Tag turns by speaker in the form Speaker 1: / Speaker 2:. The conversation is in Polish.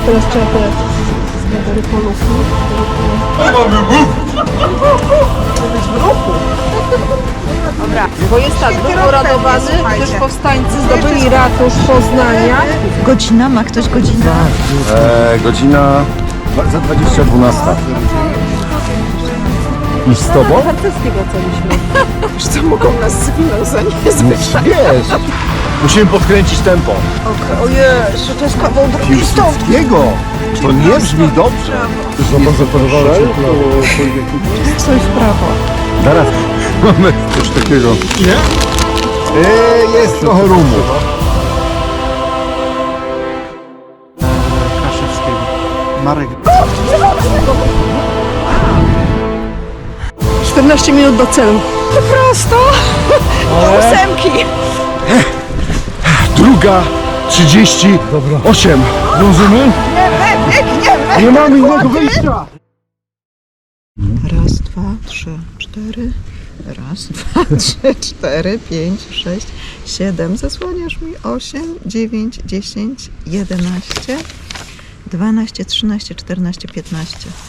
Speaker 1: Teraz trzeba te zgadzary polówki. Dobra, bo jest tak, był uradowany, gdyż powstańcy zdobyli ratusz Poznania.
Speaker 2: Godzina? Ma ktoś godzinę?
Speaker 3: Godzina za 20:12. I z tobą?
Speaker 1: Harcerskiego wracaliśmy. Już co mogą nas zwinąć za niezwyczaj.
Speaker 3: Wiesz, musimy podkręcić tempo.
Speaker 1: Ojej, to jest kawał drogi stąd.
Speaker 3: Piłsudskiego! To nie brzmi dobrze.
Speaker 1: Coś w prawo.
Speaker 3: Zaraz mamy coś takiego. Nie? Jest trochę rumu.
Speaker 4: Kaszewskiego. Marek.
Speaker 1: 14 minut do celu. Po prostu. Do 8.
Speaker 3: 2:38. Dążymy? Nie mamy innego wyjścia.
Speaker 2: Raz, dwa, trzy, cztery. Raz, dwa, trzy, cztery, 5, 6, 7. Zasłaniasz mi 8, 9, 10, 11, 12, 13, 14, 15.